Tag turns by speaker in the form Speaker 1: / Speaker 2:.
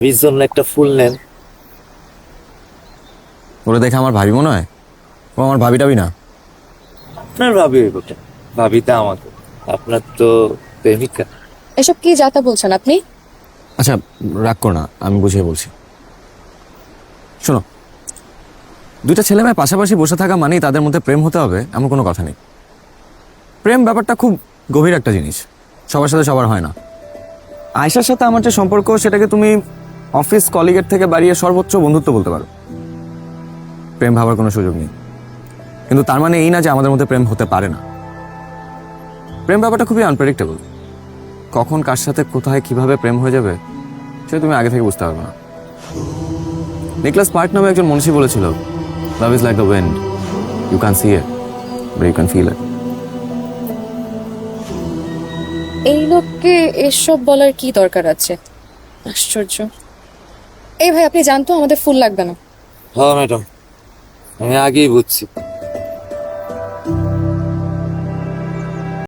Speaker 1: ভাবির জন্য একটা ফুল নেন।
Speaker 2: ওরে দেখে আমার ভাবি মনে হয়? ও আমার ভাবি টাবি না।
Speaker 1: আপনার ভাবি হইব কেন? ভাবিটা আমাকে, আপনার তো প্রেমিকা।
Speaker 3: এসব কি যাতা বলছেন আপনি?
Speaker 2: আচ্ছা, রাগ করো না, আমি বুঝিয়ে বলছি। শোনো, দুইটা ছেলে মেয়ে পাশাপাশি বসে থাকা মানেই তাদের মধ্যে প্রেম হতে হবে এমন কোনো কথা নেই। প্রেম ব্যাপারটা খুব গভীর একটা জিনিস, সবার সাথে সবার হয় না। আয়েশার সাথে আমার যে সম্পর্ক সেটাকে তুমি অফিস কলিগের থেকে বাড়িয়ে সর্বোচ্চ বন্ধুত্ব বলতে পারো। প্রেম ভাবার কোনো সুযোগ নেই, কিন্তু তার মানে এই না যে আমাদের মধ্যে প্রেম হতে পারে না। প্রেম ব্যাপারটা খুবই আনপ্রেডিক্টেবল। কখন কার সাথে কোথায় কিভাবে প্রেম হয়ে যাবে সেটা তুমি আগে থেকে বুঝতে পারবে না। নিকলাস পার্ক নামে একজন মনীষী বলেছিল, love is like the wind, you can see it but you can feel it.
Speaker 3: এই লোককে এসব বলার কি দরকার আছে? আশ্চর্য। এই ভাই, আপনি জানতো আমাদের ফুল লাগবে না।
Speaker 1: হ্যাঁ ম্যাডাম, আমি আগেই বুঝছি।